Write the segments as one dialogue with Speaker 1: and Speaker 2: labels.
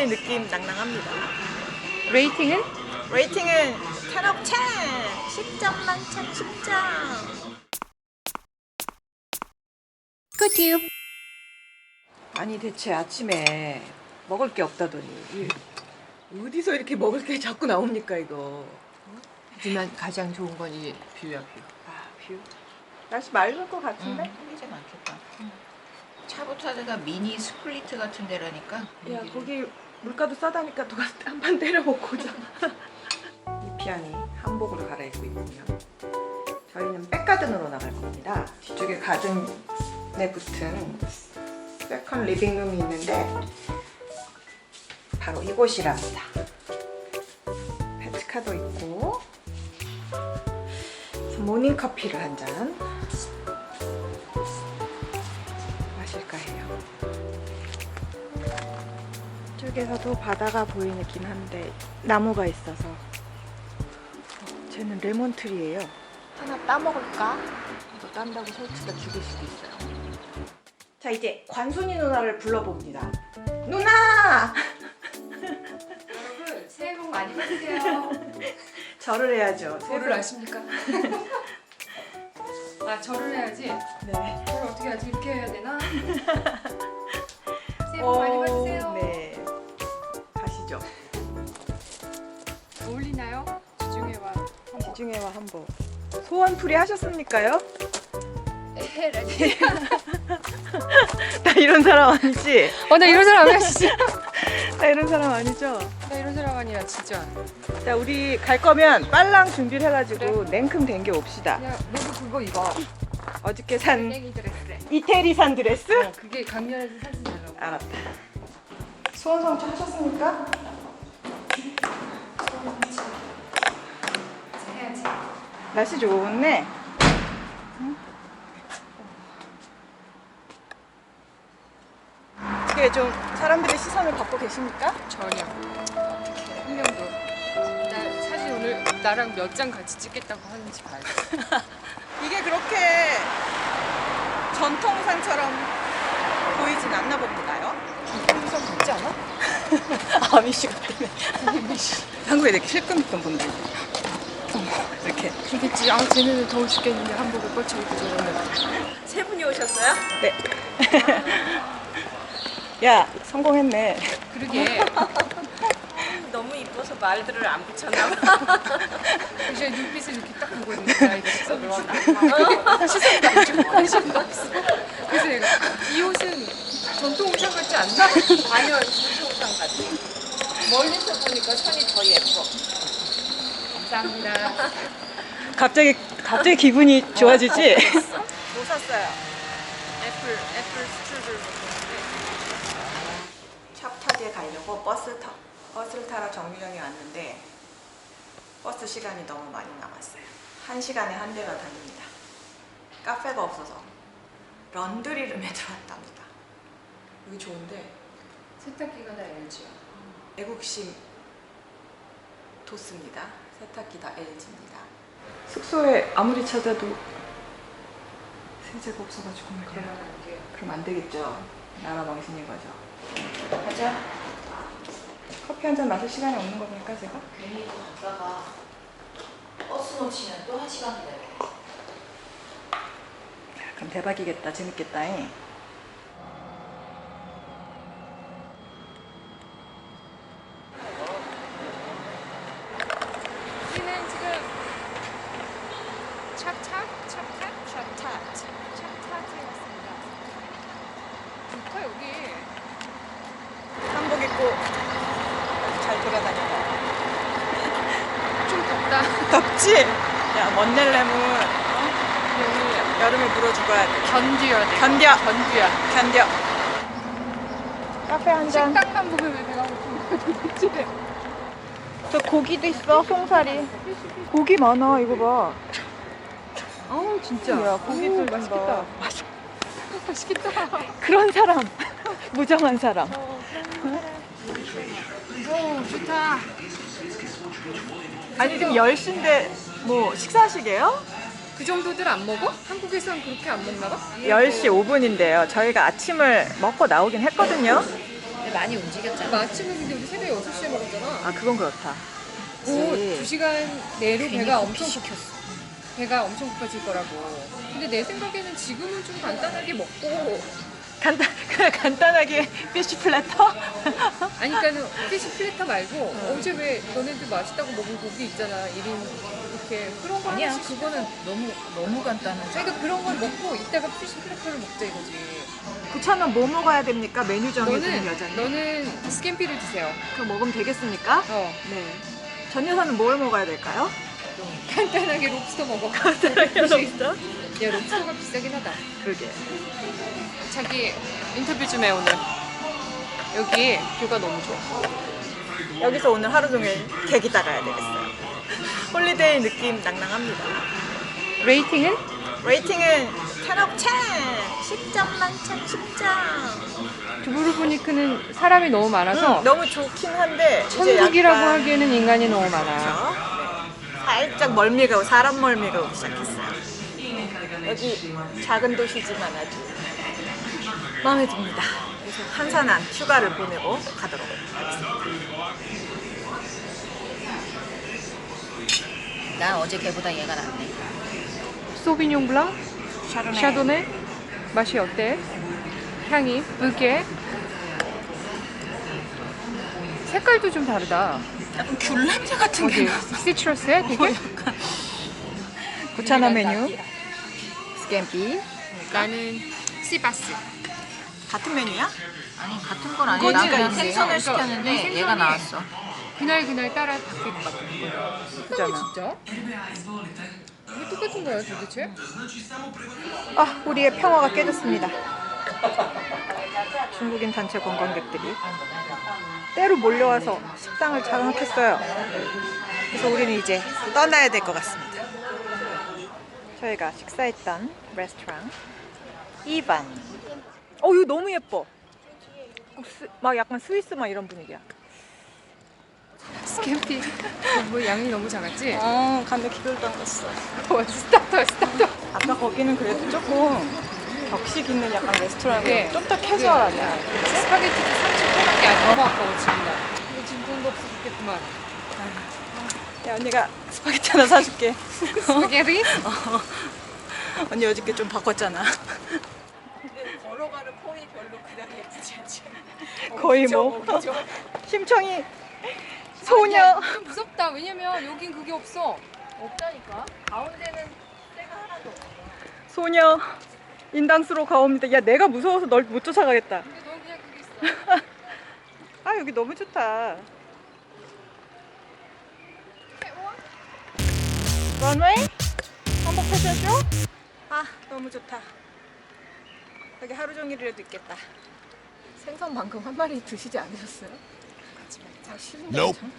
Speaker 1: LA 느낌 낭낭합니다.
Speaker 2: 레이팅은?
Speaker 1: 레이팅은 10 of 10! 10점 만점 10점!
Speaker 2: 굿유.
Speaker 1: 아니 대체 아침에 먹을 게 없다더니 어디서 이렇게 먹을 게 자꾸 나옵니까 이거?
Speaker 2: 하지만 가장 좋은 건 이 뷰야, 뷰.
Speaker 1: 아 뷰? 날씨 맑을 것 같은데?
Speaker 3: 이제 많겠다. 차부타드가 미니 스플리트 같은 데라니까.
Speaker 1: 야 거기 물가도 싸다니까 누가 한 판 때려 먹고 오자. 이피안이 한복으로 갈아입고 있군요. 저희는 백가든으로 나갈 겁니다. 뒤쪽에 가든에 붙은 세컨 리빙룸이 있는데 바로 이곳이랍니다. 페트카도 있고 모닝커피를 한 잔 마실까 해요. 이쪽에서도 바다가 보이긴 한데 나무가 있어서 쟤는 레몬트리예요. 하나 따먹을까? 이거 딴다고 설치가 죽일 수도 있어요. 자 이제 관순이 누나를 불러봅니다. 누나!
Speaker 2: 여러분, 새해 복 많이 받으세요.
Speaker 1: 절을 해야죠.
Speaker 2: 절을 아십니까? 아, 절을 해야지.
Speaker 1: 네.
Speaker 2: 절을 어떻게 하지? 이렇게 해야 되나? 새해 복 많이 받으세요.
Speaker 1: 네. 가시죠.
Speaker 2: 어울리나요? 지중해와 한복.
Speaker 1: 지중해와 한복. 소원풀이 하셨습니까요?
Speaker 2: 에헤라지.
Speaker 1: 나 이런 사람 아니지?
Speaker 2: 나 이런 사람 아니야, 진짜.
Speaker 1: 나 이런 사람 아니죠?
Speaker 2: 나 이런 사람 아니야, 진짜.
Speaker 1: 자 우리 갈 거면 빨랑 준비를 해가지고 냉큼 댕겨 옵시다.
Speaker 2: 야, 너도 그거 입어.
Speaker 1: 어저께 산
Speaker 2: 땡이 드레스.
Speaker 1: 이태리산 드레스?
Speaker 2: 그게 강렬해서 사진 잘 나오고.
Speaker 1: 알았다. 소원 성취 하셨습니까?
Speaker 2: 해야지.
Speaker 1: 날씨 좋네. 어떻게 좀 사람들의 시선을 받고 계십니까?
Speaker 2: 전혀. 어떻게 한 명도. 나 사실 오늘 나랑 몇 장 같이 찍겠다고 하는지 봐야 돼.
Speaker 1: 이게 그렇게 전통상처럼 보이진 않나 봅니다요?
Speaker 2: 우선 같지 않아?
Speaker 1: 아미씨 같네. 한국에 이렇게 실금 있던 분들 이렇게
Speaker 2: 그러겠지. 아, 쟤네는 더워 죽겠는데 한복을 뻗쳐 입고 저러면.
Speaker 1: 세 분이 오셨어요? 네. 야 성공했네.
Speaker 2: 그러게.
Speaker 1: 너무 이뻐서 말들을 안 붙였나 봐.
Speaker 2: 이제 눈빛을 이렇게 딱 보고 있는데 나 이거 진짜 놀랐다. 시선도 안 주고 관심도 없어. 그래서 내가 이 옷은 전통 의상 같지 않나?
Speaker 3: 아니요, 전통상 같이. 멀리서 보니까 선이 더 예뻐.
Speaker 2: 감사합니다.
Speaker 1: 갑자기 기분이 좋아지지? 뭐 샀어요? 애플 스트루들 샵타지에 가려고 버스를 타러 정류장에 왔는데 버스 시간이 너무 많이 남았어요. 1시간에 한 대가 다닙니다. 카페가 없어서 런드리룸에 들어왔답니다. 여기 좋은데
Speaker 2: 세탁기가 다 LG야.
Speaker 1: 애국심 돋습니다. 세탁기 다 LG입니다. 숙소에 아무리 찾아도 세제가 없어가지고 그럼 안 되겠죠. 나라 망신인 거죠.
Speaker 3: 가자.
Speaker 1: 커피 한 잔 마실 시간이 없는 겁니까 제가?
Speaker 3: 괜히 또 갔다가 버스 놓치면 또 1시간 기다려.
Speaker 1: 그럼 대박이겠다. 재밌겠다. 잉?
Speaker 2: 우리는 지금 찹타트에 왔습니다. 좋다 여기.
Speaker 1: 한복 입고 잘 돌아다닌다.
Speaker 2: 좀 덥다.
Speaker 1: 덥지? 야 먼넬렘은
Speaker 2: 여기
Speaker 1: 여름에 물어 죽어야 돼.
Speaker 2: 견뎌야 돼.
Speaker 1: 견뎌.
Speaker 2: 견뎌야.
Speaker 1: 견뎌. 카페 한 잔.
Speaker 2: 식당만 보면 왜 배가 고픈 거야 도대체.
Speaker 1: 저 고기도 있어. 송사리. 고기 많아. 이거 봐.
Speaker 2: 어우 진짜.
Speaker 1: 야 고기도
Speaker 2: 맛있겠다. 맛있겠다.
Speaker 1: 그런 사람. 무정한 사람.
Speaker 2: 오 좋다.
Speaker 1: 아니 지금 10시인데 뭐 식사하시게요?
Speaker 2: 그 정도들 안 먹어? 한국에선 그렇게 안 먹나 봐?
Speaker 1: 10시 5분인데요. 저희가 아침을 먹고 나오긴 했거든요.
Speaker 3: 많이 움직였잖아.
Speaker 2: 뭐 아침은 근데 우리 새벽에 6시에 먹었잖아.
Speaker 1: 아 그건 그렇다.
Speaker 2: 곧
Speaker 1: 그치.
Speaker 2: 2시간 내로
Speaker 3: 괜히
Speaker 2: 배가
Speaker 3: 커피
Speaker 2: 엄청
Speaker 3: 시켰어.
Speaker 2: 배가 엄청 고파질 거라고. 근데 내 생각에는 지금은 좀 간단하게 먹고
Speaker 1: 그냥 간단하게 피쉬 플래터?
Speaker 2: 아니 그러니까는 피쉬 플래터 말고 어제 왜 너네들 맛있다고 먹은 고기 있잖아 1인 이렇게 그런 거
Speaker 3: 아니야,
Speaker 2: 하나씩
Speaker 3: 그거는 너무 간단하지.
Speaker 2: 그러니까 그런 걸 먹고 이따가 피쉬 플래터를 먹자 이거지.
Speaker 1: 구차는 뭐 먹어야 됩니까? 메뉴 정해주는 여자님.
Speaker 2: 너는 스캠피를 드세요.
Speaker 1: 그럼 먹으면 되겠습니까?
Speaker 2: 어
Speaker 1: 네. 전 여사는 뭘 먹어야 될까요?
Speaker 2: 간단하게 롭스터 먹어.
Speaker 1: 간단하게 롭스터?
Speaker 2: 야 롭스터가 비싸긴 하다.
Speaker 1: 그러게.
Speaker 2: 자기 인터뷰 좀 해 오늘. 여기 뷰가 너무 좋아.
Speaker 1: 여기서 오늘 하루 종일 객이 따가야 되겠어요. 홀리데이 느낌 낭낭합니다.
Speaker 2: 레이팅은?
Speaker 1: 레이팅은 10업 10! 10점 만점 10점.
Speaker 2: 두브루브니크는 사람이 너무 많아서
Speaker 1: 너무 좋긴 한데 이제
Speaker 2: 천국이라고
Speaker 1: 약간
Speaker 2: 하기에는 인간이 너무 많아.
Speaker 1: 그렇죠? 네. 살짝 멀미가 오고 사람 멀미가 오기 시작했어요. 여기 작은 도시지만 아주 마음에 듭니다. 그래서 한산한 휴가를 보내고 가도록 하겠습니다.
Speaker 3: 난 어제 걔보다 얘가 낫네.
Speaker 2: 소비뇽 블랑,
Speaker 1: 샤르네.
Speaker 2: 샤도네 맛이 어때? 향이, 으게 색깔도 좀 다르다.
Speaker 1: 약간 귤 냄새 같은
Speaker 2: 어디? 시트러스야 되게?
Speaker 1: 구차나 메뉴 스캠피.
Speaker 2: 나는 시바스.
Speaker 1: 같은 메뉴야?
Speaker 3: 아니 같은 건 아니야.
Speaker 1: 그거지,
Speaker 3: 나는
Speaker 1: 그거지.
Speaker 3: 생선을
Speaker 2: 그러니까
Speaker 3: 시켰는데
Speaker 2: 생선이
Speaker 3: 얘가 나왔어.
Speaker 2: 그날 따라 바뀔 것 같은 거야.
Speaker 1: 그잖아.
Speaker 2: 진짜? 이게 똑같은 거야 도대체?
Speaker 1: 아, 우리의 평화가 깨졌습니다. 중국인 단체 관광객들이 때로 몰려와서 식당을 장악했어요. 그래서 우리는 이제 떠나야 될 것 같습니다. 저희가 식사했던 레스토랑 이반. 이거 너무 예뻐. 막 약간 스위스 막 이런 분위기야.
Speaker 2: 스캠피 뭐 양이 너무 작았지?
Speaker 1: 간데 기별도 안 갔어.
Speaker 2: 스타터
Speaker 1: 아까 거기는 그래도 조금 격식 있는 약간 레스토랑이고
Speaker 2: 네.
Speaker 1: 좀 더 캐주얼하냐.
Speaker 2: 스파게티도 30분밖에 안 너무 아까워 지금 나 이거 지금 돈도 없어 죽겠구만.
Speaker 1: 야, 언니가 스파게티 하나 사줄게.
Speaker 2: 스파게티?
Speaker 1: 언니 어저께 좀 바꿨잖아. 걸어가는 폼이 별로 그냥 예쁘지 않지. 거의 뭐 심청이 소녀.
Speaker 2: 야, 좀 무섭다. 왜냐면 여긴 그게 없어.
Speaker 3: 없다니까. 가운데는 때가 하나도 없어.
Speaker 1: 소녀 인당수로 가옵니다. 야, 내가 무서워서 널 못 쫓아가겠다.
Speaker 2: 근데 넌 그냥 그게 있어.
Speaker 1: 아, 여기 너무 좋다. 런웨이? 한복 패션쇼? 아, 너무 좋다. 여기 하루 종일이라도 있겠다. 생선 방금 한 마리 드시지 않으셨어요? 아, 싫은데.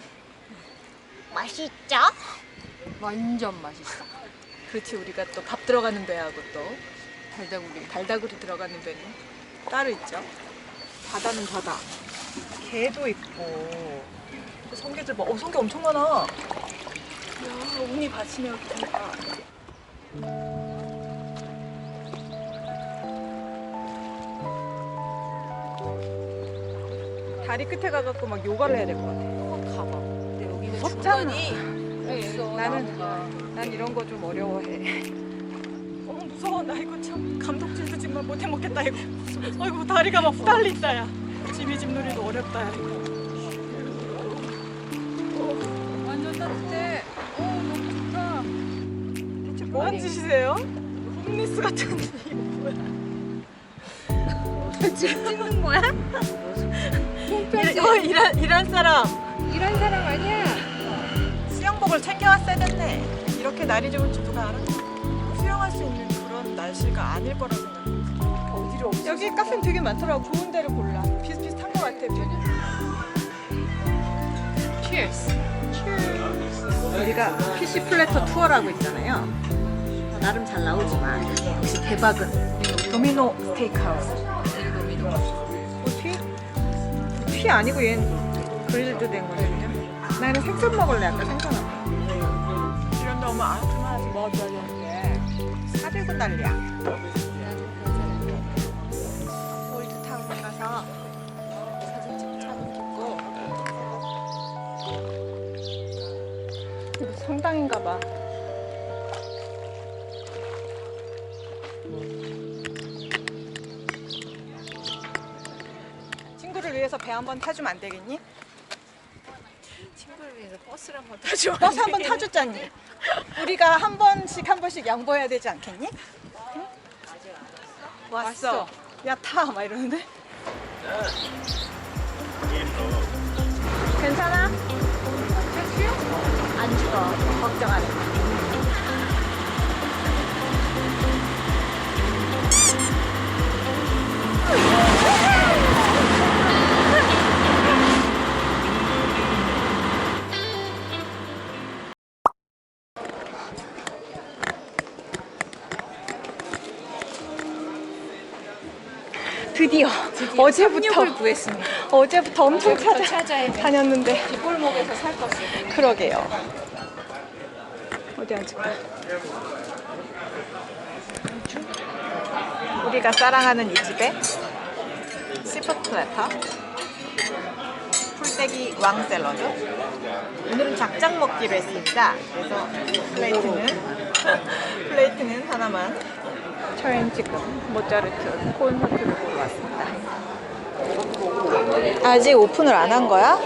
Speaker 3: 맛있죠?
Speaker 2: 완전 맛있어.
Speaker 1: 그렇지, 우리가 또 밥 들어가는 배하고 또
Speaker 2: 달다구리.
Speaker 1: 들어가는 배는 따로 있죠. 바다는 바다. 개도 있고. 성게들 봐. 성게 엄청 많아. 야, 운이 받치네 여기 보니까. 다리 끝에 가갖고 막 요가를 해야 될 것 같아.
Speaker 3: 가봐. 근데 여기는
Speaker 1: 무섭잖아.
Speaker 3: 중간이 없어.
Speaker 1: 난 이런 거 좀 어려워해. 무서워. 나 이거 참 감독질도 정말 못해 먹겠다 이거. 아이고, 다리가 막 후달린다 야. 지미집 놀이도 어렵다 야 이거.
Speaker 2: 완전 따뜻해. 너무 좋다.
Speaker 1: 대체 뭐 하는 짓이세요? 홈리스 같은 이거 뭐야?
Speaker 2: 지금 찍는 거야?
Speaker 1: 일할 사람
Speaker 2: 이런 사람 아니야.
Speaker 1: 수영복을 챙겨왔어야 됐네. 이렇게 날이 좋은 줄 누가 알아? 수영할 수 있는 그런 날씨가 아닐 거라 생각해. 어디로 없어? 여기 카페는 되게 많더라고. 좋은 데를 골라. 비슷비슷한 거 같아.
Speaker 2: Cheers.
Speaker 1: 우리가 피쉬 플래터 투어라고 있잖아요. 나름 잘 나오지만 역시 대박은 도미노 스테이크하우스. 피 아니고 얘는 그릴드 된 거거든요. 나는 생선 먹을래. 아까 생선 아까. 이런 데 오면 그만하지 뭐 하는데 400원 달리야. 올드타운에 가서 사진 찍고 이거 성당인가 봐. 친구를 위해서 배 한 번 타주면 안 되겠니?
Speaker 3: 친구를 위해서 버스를 한번 타줘.
Speaker 1: 버스 한 번 타줬잖니. 우리가 한 번씩 양보해야 되지 않겠니? 응? 왔어. 야, 타! 막 이러는데. 괜찮아? 안 죽어. 걱정 안 해. 드디어 어제부터
Speaker 3: 구했습니다.
Speaker 1: 어제부터 엄청
Speaker 3: 찾아야 돼.
Speaker 1: 다녔는데
Speaker 3: 뒷골목에서 살 거 없어.
Speaker 1: 그러게요. 어디 앉을까? 우리가 사랑하는 이 집에 시푸드 플래터, 풀떼기 왕 샐러드. 오늘은 작작 먹기로 했습니다. 그래서 플레이트는 하나만. 저희는 지금 모짜르트 콘서트를 보러 왔습니다. 아직 오픈을 안 한 거야?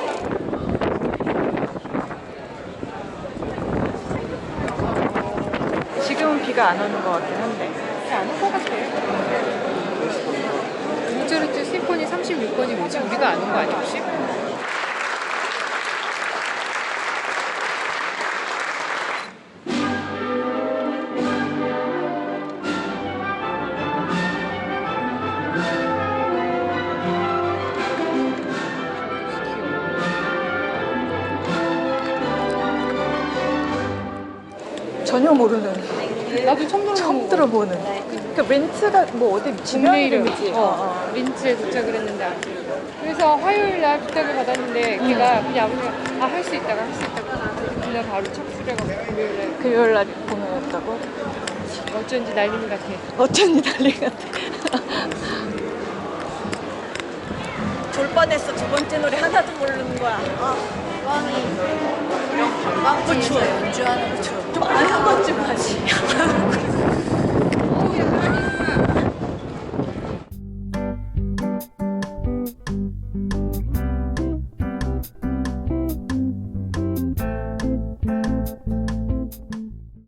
Speaker 1: 지금은 비가 안 오는 것 같긴 한데.
Speaker 2: 안 올 것 같아. 모차르트 심포니 36번이 뭐지? 우리가 아는 거 아니야 혹시?
Speaker 1: 전혀 모르는,
Speaker 2: 나도 처음
Speaker 1: 들어보는. 그러니까 렌트가 뭐 어디 지명
Speaker 2: 국내 이름.
Speaker 1: 이름이지?
Speaker 2: 린츠에 도착을 했는데 그래서 화요일 날 부탁을 받았는데 걔가 그냥 아버지가 할 수 있다고 그날 바로 착수해가지고
Speaker 1: 금요일 날 공연했다고?
Speaker 2: 어쩐지 날림 같아.
Speaker 1: 어쩐지 난리 같아. 졸 뻔했어. 두 번째 노래 하나도 모르는 거야.
Speaker 3: 관광지에서 연주하는 것처럼
Speaker 1: 좀 안 한 것쯤 하지.